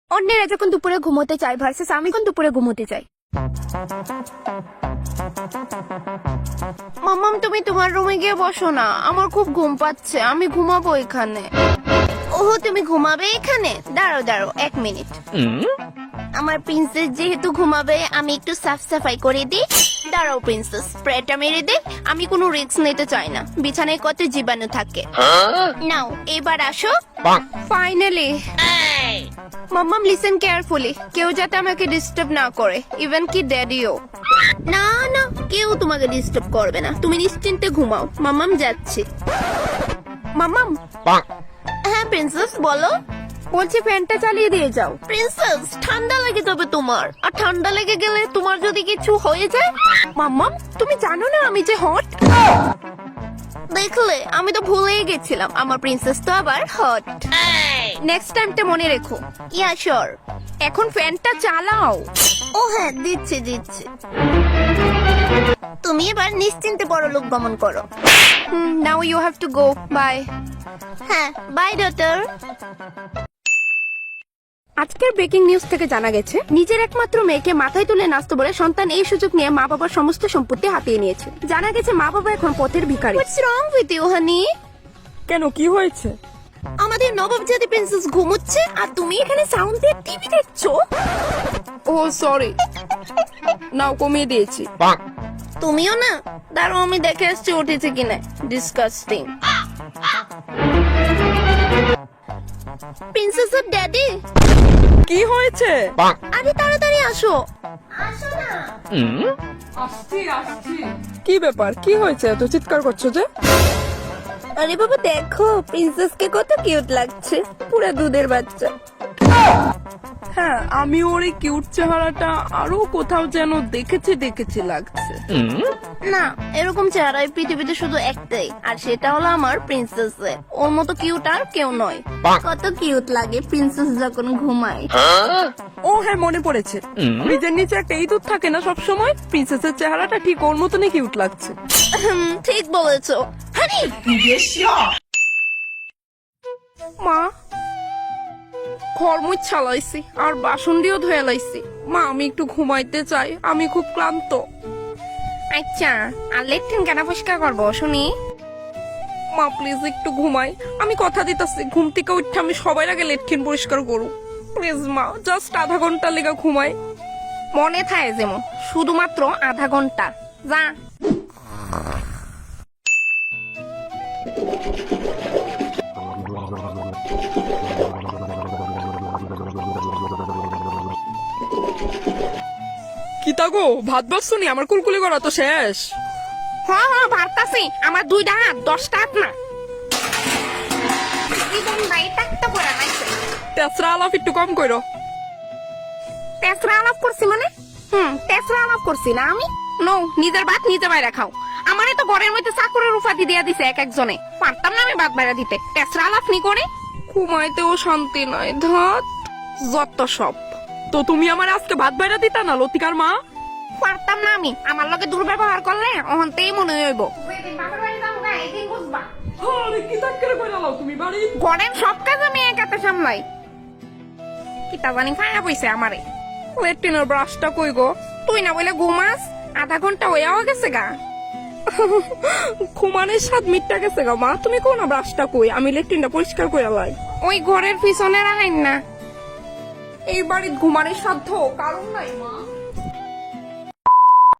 অন্যেরা যখন দুপুরে ঘুমোতে চায় ভার্সেস আমি কোন দুপুরে ঘুমোতে চাই। মাম্মাম তুমি তোমার রুমে গিয়ে বসো না, আমার খুব ঘুম পাচ্ছে, আমি ঘুমাবো এখানে। ওহো তুমি ঘুমাবে এখানে? দাঁড়াও দাঁড়াও 1 মিনিট। আমার প্রিন্সেস যেহেতু ঘুমাবে আমি একটু সাফ সাফাই করে দিই। দাঁড়াও প্রিন্সেস, স্প্রেটা মেরে দে। আমি কোনো রিস্ক নিতে চাই না, বিছানায় কত জীবাণু থাকে। নাও এবার আসো। ফাইনালি মাম্মাম লিসেন কেয়ারফুলি, কেউ যাতে আমাকে ডিস্টার্ব না করে, ইভেন কি ড্যাডিও। না না, কেউ তোমাকে ডিস্টার্ব করবে না, তুমি নিশ্চিন্তে ঘুমাও। মাম্মাম যাচ্ছে। মাম্মাম। হ্যাঁ প্রিন্সেস বলো। বলছি ফ্যানটা চালিয়ে দিয়ে যাও। প্রিন্সেস ঠান্ডা লেগে যাবে তোমার, আর ঠান্ডা লেগে গেলে তোমার যদি কিছু হয়ে যায়। মাম্মাম তুমি জানো না আমি যে হট। দেখলে আমি তো ভুলেই গেছিলাম, আমার প্রিন্সেস তো আবার হট। নেক্সট টাইমটা মনে রেখো। Yeah sure. এখন ফ্যানটা চালাও। ও হ্যাঁ দিচ্ছি দিচ্ছি। তুমি এবার নিশ্চিন্তে পরলোক গমন করো। Now you have to go. Bye. হ্যাঁ বাই ডটার। আজকের ব্রেকিং নিউজ থেকে জানা গেছে নিজের একমাত্র মেয়েকে মাথায় তুলে নাচতে বলে সন্তান এই সুযোগ নিয়ে মা বাবার সমস্ত সম্পত্তি হাতিয়ে নিয়েছে। জানা গেছে মা বাবা এখন পথের ভিখারি। What's wrong with you honey? কেন, কি হয়েছে? আমাদের নবাবজাদি প্রিন্সেস ঘুমোচ্ছে আর তুমি এখানে সাউন্ড দিয়ে টিভি দেখছো। ও সরি, নাও কমিয়ে দিয়েছি। তুমিও না? দাঁড়াও আমি দেখে আসছি উঠেছে কিনা। ডিসকাস্টিং। প্রিন্সেসের ড্যাডি। কি হয়েছে? আরে তাড়াতাড়ি আসো। আসো না। আসছি। কি ব্যাপার, কি হয়েছে এত চিৎকার করছো যে? আরে বাবা দেখো প্রিন্সেসকে কত কিউট লাগছে, পুরা দুধের বাচ্চা। হ্যাঁ, আমি ওর এই কিউট চেহারাটা আরো কোথাও যেন দেখেছি লাগছে। না এরকম চেহারা এই পৃথিবীতে শুধু একটাই, আর সেটা হলো আমার প্রিন্সেস। ওর মতো কিউট আর কেউ নয়। কত কিউট লাগে প্রিন্সেস যখন ঘুমায়। ও হ্যাঁ মনে পড়েছে, ফ্রিজের নিচে একটা ইঁদুর থাকে না সব সময়, প্রিন্সেসের চেহারাটা ঠিক ওর মতনই কিউট লাগছে। ঠিক বলেছো হানি। মা, ঘর মুছা লাইছি আর বাসন দিয়েও ধুয়ে লাইছি। মা আমি একটু ঘুমাইতে চাই, আমি খুব ক্লান্ত। আচ্ছা আর লেট্রিন কেন পরিষ্কার করবো শুনি? মা প্লিজ একটু ঘুমাই, আমি কথা দিতেছি ঘুম থেকে উঠে আমি সবার আগে লেট্রিন পরিষ্কার করু। প্লিজ মা, জাস্ট আধা ঘন্টা লেগে ঘুমাই। মনে থাকে যেমন শুধুমাত্র আধা ঘন্টা। যা। কি তাগো, ভাত বাসনি? আমার কুলকুলি করা তো শেষ। হ্যাঁ হ্যাঁ ভাবতাছি, আমার 2টা হাত 10টা হাত না। তেসরা আলাপ একটু কম করো। তেসরা আলাপ করছি মানে? তেসরা আলাপ করছি না আমি। নো, নিজের ভাত নিজে বাইরে খাও। আমারে তো ঘরের মধ্যে চাকরের উপাধি দিয়া দিছে এক একজনে, পারতাম না আমি ভাত বাইরে দিতে। তেসরা আলাপ নি করে ঘুমাইতেও শান্তি নাই, ধাত যত সব। তো তুমি আমার আজকে ভাত বাইরা দিতা না লতিকার মা? পারতাম না আমি, আমার লগে দুর্ব্যবহার করলে অহন্তেই মনে হইব। ঘরের সব কাজ আমি একাতে সামলাই। কিতা জানি খায়া পয়সা আমারে। লেট্রিনের ব্রাশটা কই গো? তুই না বলে ঘুমাস, আধা ঘন্টা হইয়াও গেছে গা। ঘুমানের 7 মিনিটটা গেছে গা মা, তুমি কোন ব্রাশটা কই? আমি লেট্রিনটা পরিষ্কার করে লাই। ওই ঘরের পিছনে রাখেন না। এই বাড়ির ঘুমানের সাধ্য কারণ নাই মা।